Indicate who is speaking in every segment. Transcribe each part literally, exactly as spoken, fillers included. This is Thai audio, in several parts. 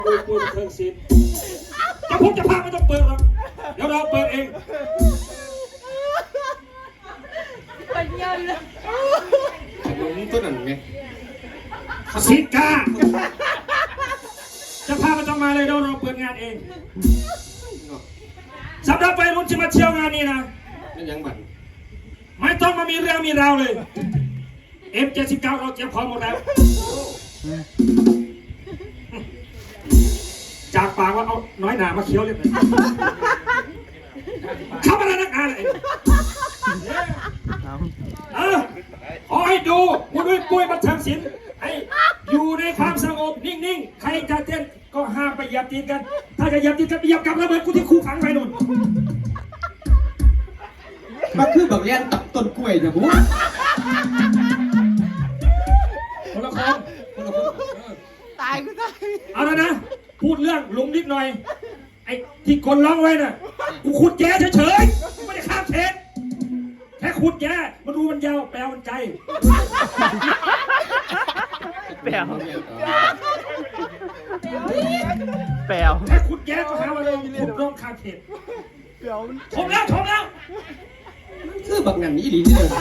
Speaker 1: คุยคุยเทิงศิลป์จะพูดจะพาไม่ต้องเปิดหรอกเดี๋ยวเราเปิดเอง
Speaker 2: ปัญญาเลย
Speaker 3: หลงตัวนั้นไง
Speaker 1: สิกาจะพาไม่ต้องมาเลยเดี๋ยวเราเปิดงานเองสำหรับไปรุ่นที่มาเที่ยวงานนี้นะ
Speaker 3: ไม่ยังบัน
Speaker 1: ไม่ต้องมามีเรื่องมีราวเลย เอ็ม เจ็ดสิบเก้า เราเตรียมพร้อมหมดแล้วจากปากว่าเอาน้อยหนามาเคี้ยวเลยเข้ามาแล้วนักอ่านเลยเออขอให้ดูคุณด้วยปุ้ยบันเทิงศิลป์ให้อยู่ในความสงบนิ่งๆใครจะเต้นก็ห้ามไปเหยียบตีนกันถ้าจะเหยียบตีนกันไปเหยียบกับระเบิดกูที่คูขังไปนู่น
Speaker 3: มาคือบักเลี้ยนตับต้นกล้วยเนี่ยบุ๊
Speaker 1: คนละคนคนละคน
Speaker 2: ตายก็ตาย
Speaker 1: เอาแล้วนะพูดเรื่องลุงนิดหน่อยไอ้ที่คนร้องไว้น่ะกูขุดแย่เฉยๆไม่ได้ข้ามเขตแค่ขุดแย่มันดูมันยาวแปลมันใจ
Speaker 2: แปลวแปลว
Speaker 1: แค่ขุดแย่ก็หาว่าเราขุดร้องข้ามเขตชมแล้วชมแล้ว
Speaker 3: คือบักนั่นนี่ดีที่เลย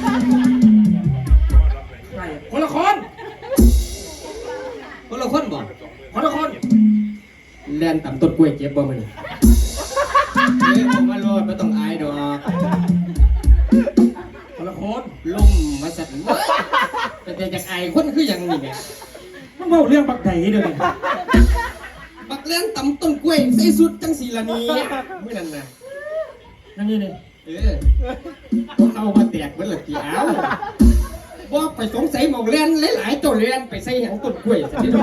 Speaker 1: ใช่คนละคน
Speaker 3: คนละคนบ่
Speaker 1: คนละคน
Speaker 3: แลนต่ำต้นกล้วยเจ็บบ่มันเฮ้ยผมมาโลดไม่ต้องอายดอก
Speaker 1: คนละคน
Speaker 3: ล่มมาสั่นแต่แต่จากอายคนคืออย่างนี้ไง
Speaker 1: มันเมาเรื่องบักไหนเดี๋ยวนี้
Speaker 3: บักแลนต่ำต้นกล้วยใส่สุดจังสีละนี้เมื่อนั้นนะ
Speaker 1: นั่นนี่นี่
Speaker 3: เออพวกเขามาแตกเหมือนหลักกี่อ้าวว่าไปสงสัยมองแลนหลายๆตัวแลนไปใส่หางต้นกล้วยสิที่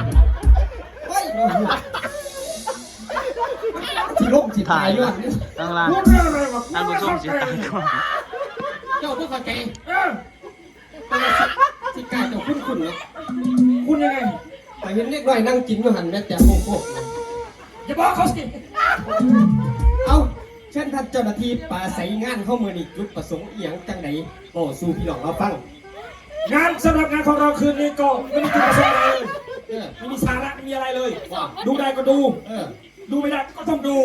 Speaker 3: ล่มสิตายอยู่
Speaker 2: ตั้งล่างท่านผู้ชมสิตายก่อน
Speaker 3: เจ้าพวกเข้าใจเออสิกาเจ้าคุ้นคุ้นเนาะ
Speaker 1: คุณยังไง
Speaker 3: ไปเห็นเล็กน้อยนั่งกินอยู่หันแม่แต่โค้ง
Speaker 1: อย่าบอกเขาสิ
Speaker 3: เอาเช่นท่านเจ้าหน้าที่ป่าใสงานเข้ามือนี่จุดประสงค์เอียงจังไหนโอ้สู้พี่น้องเราฟัง
Speaker 1: งานสำหรับงานของเราคืนนี้ก็ไม่มีจุดประสงค์อะไรเลยไม่มีสาระไม่มีอะไรเลยดูได้ก็ดูดูไม่ได้ก็ต้องดู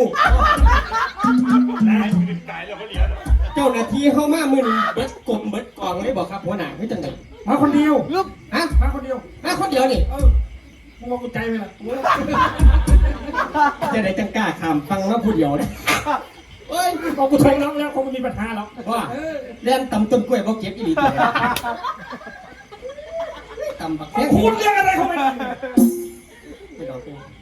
Speaker 3: เจ้าหน้าที่เข้ามามือนี่เบิดกลมเบิดกองเลยบอกครับหัวหน้าคือจังไหน
Speaker 1: มาคนเดียว
Speaker 3: ลึกฮะ
Speaker 1: มาคนเดียว
Speaker 3: มาคนเดียวนี่
Speaker 1: เออมึงมองกูใจไหมล่ะ
Speaker 3: จะได้จังกล้าขามฟังมาผู้เดียวนะ
Speaker 1: เฮ้ยบอกกูทงแล้วแล้วคงไม่มีปัญหาหรอก
Speaker 3: ว่าเล่นตำต้นกล้วยบอกเก็บอีหลีตัวตำบักแค่
Speaker 1: พูดเรื่องอะไรของมัน